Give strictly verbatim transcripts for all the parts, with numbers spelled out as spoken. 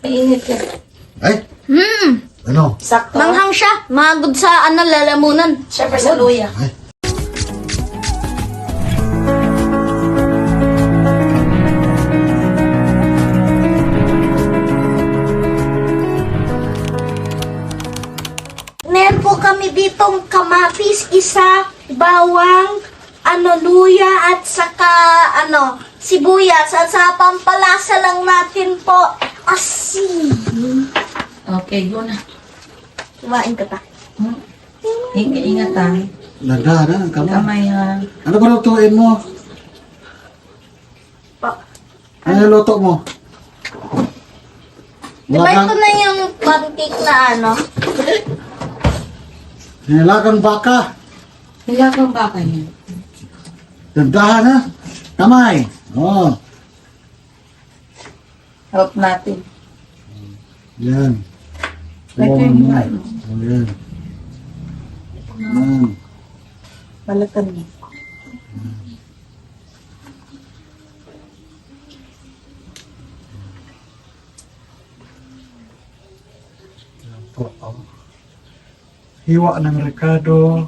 Init yan. Ay, Hmm. ano? Sakto. Manghang siya. Magod sa ano, lalamunan. Siyempre sa luya. Ay, Meron po kami ditong kamatis, isa, bawang, ano, luya, at saka, ano, sibuyas. At sa pampalasa lang natin po, asin. Okay, go na. Kumain ka pa. Hmm. Ingat, ingat ha. nagdana ang kamay. Kamay ha. Ano ba lutuin mo? Po. Ano yung luto mo? Di ba Nilagang, ito na yung pancake na ano? nilagang baka. Nilagang baka yan. Nagdahan ha? Kamay. Oh, Help natin. yan. Like Oh, yung ano. kamay mo. Oh, yan. Yan. Balatan mo. Po, oh. Hiwa ng Ricardo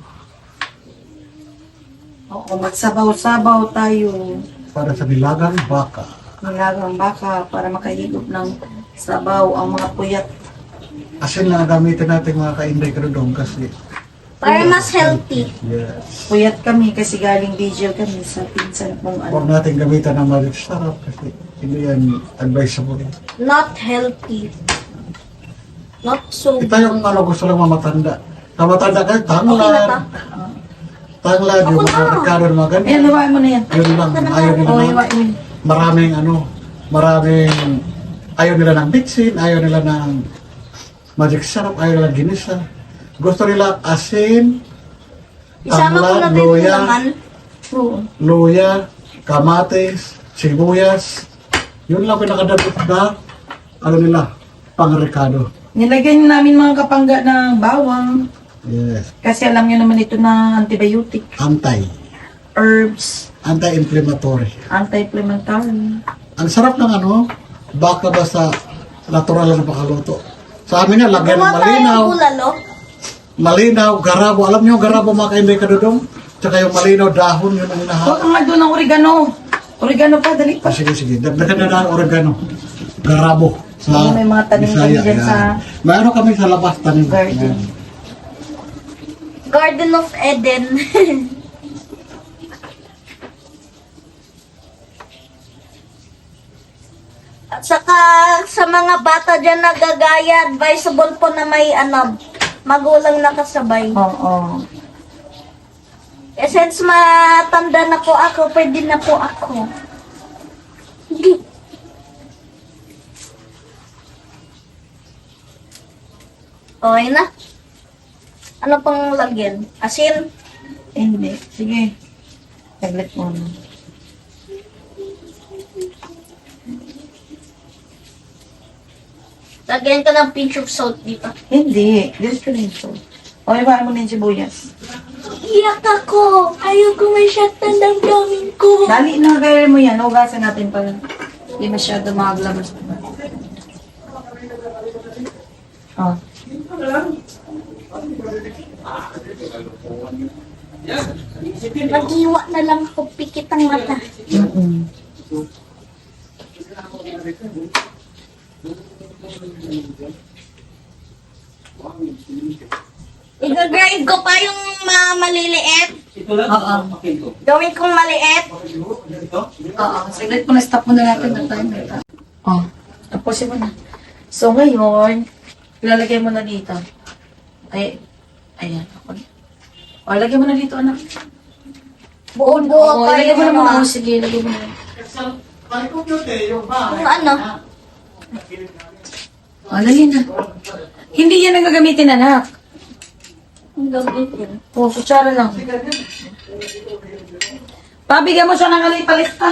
Oo, magsabaw-sabaw tayo. para sa nilagang baka. Nilagang baka para makahigop ng sabaw ang mga puyat. Asin na gamitin natin mga ka-inday kadudong kasi Para mas healthy. yes. Puyat kami kasi galing vigil kami sa pinsan kong Huwag ano. natin gamitan ng magic sarap kasi hindi yan advisable. Not healthy. Not so Ito yung ano gusto lang mamatanda. Sa matanda kayo, Okay na tanglad. ba? Tanglad, yung Ako mga na. Ricardo ng mga Ayan, ganyan. nawain mo na yan. Yun lang, ayaw nila Oo, ng iwain mo. maraming ano, maraming ayaw nila ng bitsin, ayaw nila ng magic sarap, ayaw nila ginisa. Gusto nila asin, Isama ko na tanglad, din yung luya, laman. Oo. luya, kamatis, sibuyas. Yun lang pinakadabot na, ano nila, pang Ricardo. Nilagyan namin mga kapangga ng bawang. Yes. Kasi alam nyo naman ito na antibiotic. Anti. Herbs. Anti-inflammatory. Anti-inflammatory. Ang sarap ng ano, baka ba sa natural na pakaluto. Sa amin nga, lagyan ng Gumawa tayo malinaw. ng bulalo. Malinaw, garabo. Alam niyo, garabo mga kainday kadudong? Tsaka yung malinaw, dahon, yun ang Huwag inahaw. ka nga doon ng oregano. Oregano pa, dali pa. Ah, sige, sige. Dagdagan na ng oregano. Garabo. Sa Oo, may mga tanim Bisaya, kami dyan yan. sa Mayroon kami sa labas tanim. garden. Yan. Garden of Eden. At saka sa mga bata dyan nagagaya, advisable po na may ano, magulang nakasabay. Oo. Eh, since matanda na po ako, pwede na po ako. Okay na. Ano pang lagyan? Asin? Eh, hindi. Sige. Saglit mo. Lagyan ka ng pinch of salt dito. Hindi. Diyos ko rin ito. O, iwain mo na yung sibuyas. Iyak ako. Ayaw ko masyat ng damdamin ko. Dali na, gawin mo yan. Hugasan natin para hindi masyado maglabas. Oh. Mag-iwa na lang ako. Pikit ang mata. Mm-mm. I-grind ko pa yung mga maliliit. Oo. Gawin kong maliit. Oo. Saglit mo na, stop mo na natin ng timer. Oh. Tapusin mo na. So, ngayon, ilalagay mo na dito. Ay, ayan. O, lagay mo na dito, anak. Buo-buo O, pa lagay yung mo na ano. muna. O, sige, lagay mo na. Yung ano. O, lagay na. Hindi yan ang gagamitin, anak. Ang gamitin. O, kutsara lang. Pabigyan mo siya ng alay palista.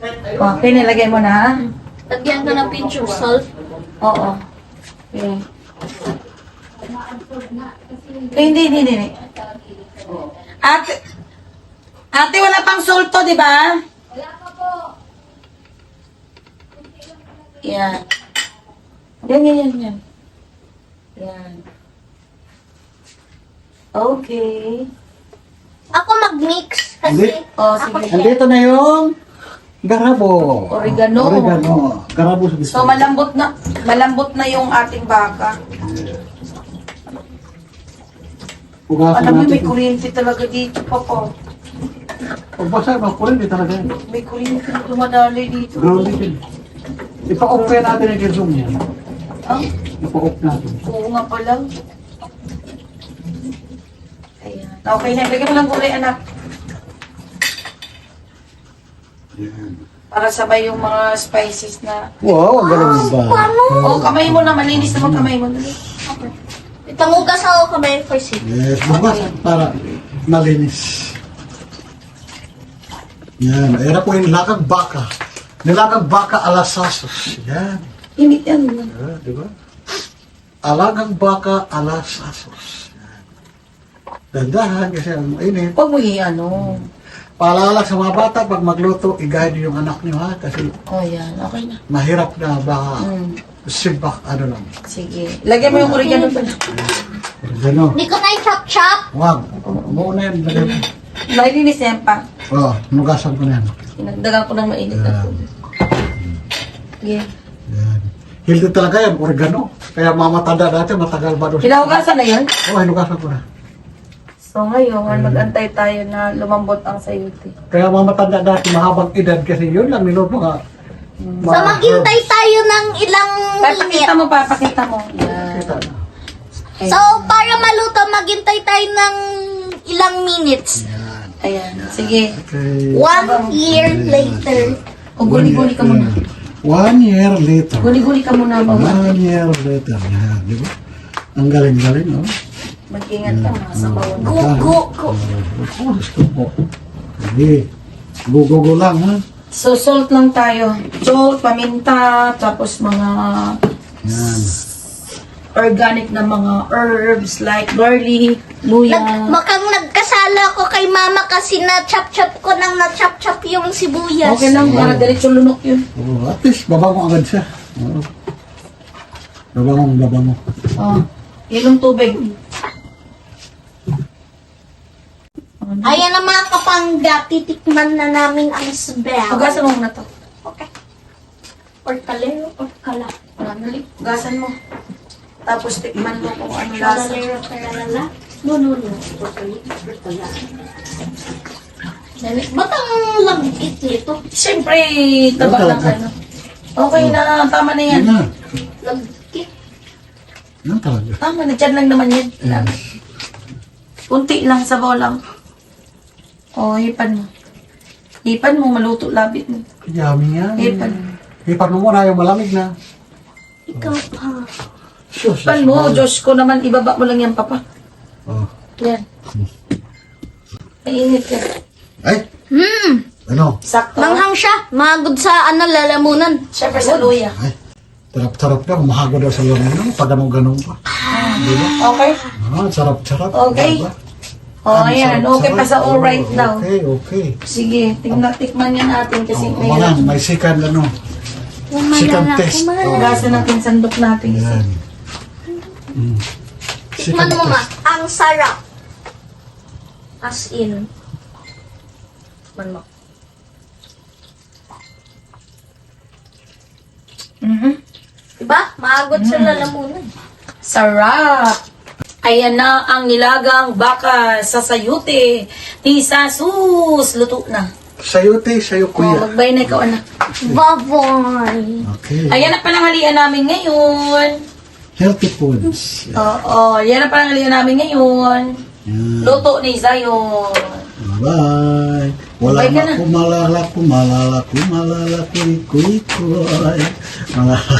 Okay, nilagay mo na, ha? Lagyan ka ng pinch of salt. Oo. Okay. Eh, hindi, hindi, hindi. Ate, ate, wala pang solto, di ba? Wala pa po. Yan. Yan, yan, yan, yan. Yan. Okay. Ako mag-mix kasi Hindi. Oh, ako sige. chef. Andito na yung garabo. Oregano. Oregano. Garabo sa So, malambot na, malambot na yung ating baka. Ugasan Alam mo, natin. may kuryente talaga dito, Papa. Pag basa, makulit, di talaga yan. May kuryente na dumadali dito. Ground din. Ipa-off kaya natin yung zoom niya. Ah, Ipa-off natin. oo nga pala. Ayan. Okay na, lagyan mo lang gulay, anak. Yan. Para sabay yung mga spices na... Wow, ang galing mo ba? Paano? Oh, kamay mo na, malinis naman kamay mo. Okay. Itangugas ako kamay first. eh. Yes, bukas para malinis. Yan, ayan na po yung lakang baka. Nilagang baka alasasos. Yan. Hindi yan. Yeah, di ba? Alagang baka alasasos. Yan. Dandahan kasi ang mainit. Huwag mo i-ano. Paalala sa mga bata, pag magluto, i-guide niyo yung anak niyo ha. Kasi Oh, yan. Okay na. mahirap na baka Mm. sibak, ano lang. Sige. Lagyan mo yung oregano pa na. Gano. Hindi ko na i-chop-chop. Wag. Muna yan. lagay mo. Nalinis yan pa. Oh, nugasan ko na yan. Inagdagan ko ng mainit na Yan. tubig. Sige. Yan. Healthy talaga yan, oregano. Kaya mga matanda dati, matagal ba doon? Hinugasan na yun? Oh, hinugasan ko na. So ngayon, mag-antay tayo na lumambot ang sayuti. Kaya mga matanda dati, mahabang edad kasi yun lang, nilod mga... So maghintay tayo ng ilang Papakita minute. mo, papakita mo. Yan. Kita na. Ayan. So para maluto, maghintay tayo ng ilang minutes. Yan. Ayan. Sige. Okay. One year later. O, guli-guli ka muna. One year later. Guli-guli ka muna. Baba. One year later. Yan, di ba? Ang galing-galing, no? Mag-ingat ka, mga sabawan. Go, go, go. Oh, gusto ko. Sige. Go-go-go lang, ha? So, salt lang tayo. Salt, paminta, tapos mga Yan. organic na mga herbs like garlic, luya. Nag, makang nagkasala ko kay mama kasi na-chop-chop ko nang na-chop-chop yung sibuyas. Okay lang, para diretso lunok yun. Oh, at least, babango agad siya. Oh. Babango, babango. Oh, yun yung tubig. Ayan na mga kapangga, titikman na namin ang sbel. Hugasan mo muna to. Okay. Or kalero, or kala. Ah, dali. Hugasan mo. Tapos tikman mo kung ano lasa. Kalero, kalala. No, no, no. Or kalero, or kala. Dali. Ba't ang lagkit nito? Siyempre, taba Okay. lang ano. Okay na, tama na yan. Yan na. Lagkit. Yan talaga. Tama na, dyan lang naman yan. Yes. Kunti lang, sabaw lang. O, hipan mo. Hipan mo, maluto labit mo. Yummy yan. Hipan. Hipan mo muna yung malamig na. Ikaw pa. Sus, Hipan mo, Diyos ko naman, ibaba mo lang yan, papa. Oh. Yan. Mainit yan. Ay, Hmm. ano? Sakto. Manghang siya. Magod sa ano, lalamunan. Siyempre sa luya. Ay, sarap-sarap na. Mahago daw sa lamang. Pag ganun-ganun pa. Di ba? Okay? Ah, sarap-sarap. Okay. Diba? O, oh, ayan. Okay pa sa all right Oh, daw. Okay, okay. Sige, tingnan, tikman yan natin kasi Oh, may mga, may second ano. Yung Second malalaki, test. malalaki. Oh. Hugasan natin sandok natin kasi. Yan. Mm. Tikman mo ma. Ang sarap. As in. Tikman mo. Mhm. Diba? Maagot sa lalamunan. Sarap! Ayan na ang nilagang baka sa sayute ni Sasus. Luto na. Sayute, sayo O, kuya. magbay na ikaw, anak. Baboy. Okay. Ayan na panangalian namin ngayon. Healthy foods. Oo, yan na panangalian namin ngayon. Yan. Luto ni Zion. Bye. Wala Bye ka na na. kumalala, kumalala, kumalala, kuy, kuy, kuy. Malala.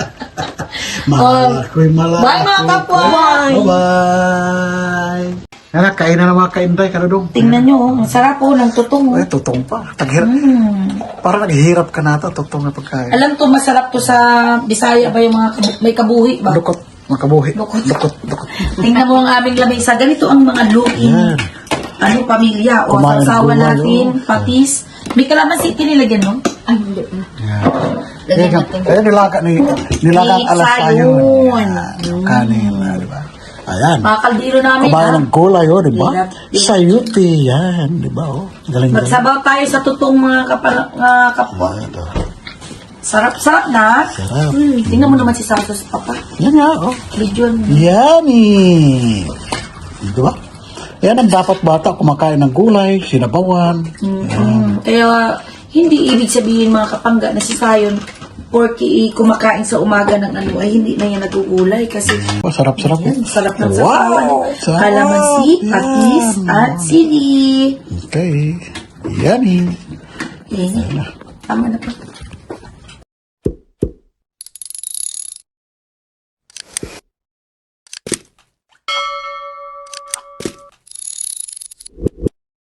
Malala, kuy, malala. Bye, mga kuy, kapwa. kuy. Bye-bye. Yan, kain na ng mga kainday, kanudong. Tingnan nyo, oh, ang sarap po ng tutong. Oh. Ay, tutong pa. Taghirap. Mm. Parang naghihirap ka na ito, tutong na pagkain. Alam to, masarap to sa Bisaya ba yung mga kabu- may kabuhi ba? Lukot, makabuhi. Lukot. Lukot, lukot. Tingnan mo ang aming lamesa. Ganito ang mga luking. Yan. Ano, pamilya. O, Kumain ng sasawa gulay, natin, oh. patis. May kalamansi tinilagyan, no? Ay, hindi. Yan. Lagyan Yan, natin. ayan, nilaga ni, nilaga Ni alas tayo. Sayon. Yan, kanina, di ba? Ayan. Mga kaldero namin, Kumain ha? ng gulay, oh, di ba? Hirap. Sayuti, yan, di ba, oh? Galing-galing. Magsabaw tayo sa tutong mga kapal- mga kapwa. Ito. Sarap-sarap na. Sarap. Hmm, tingnan mo naman si Santos, Papa. Yan nga, oh. Medyo, Yummy! Di ba? Yan ang dapat bata kumakain ng gulay, sinabawan. mm, kaya, hindi ibig sabihin mga kapangga na si Sayon, porky kumakain sa umaga ng ano, ay hindi na yan nagugulay kasi Oh, sarap-sarap. yan, sarap ng Wow! sasawan. Sarap. Kalamansi, patis, at sili. Okay. Yummy. Eh, tama na pa.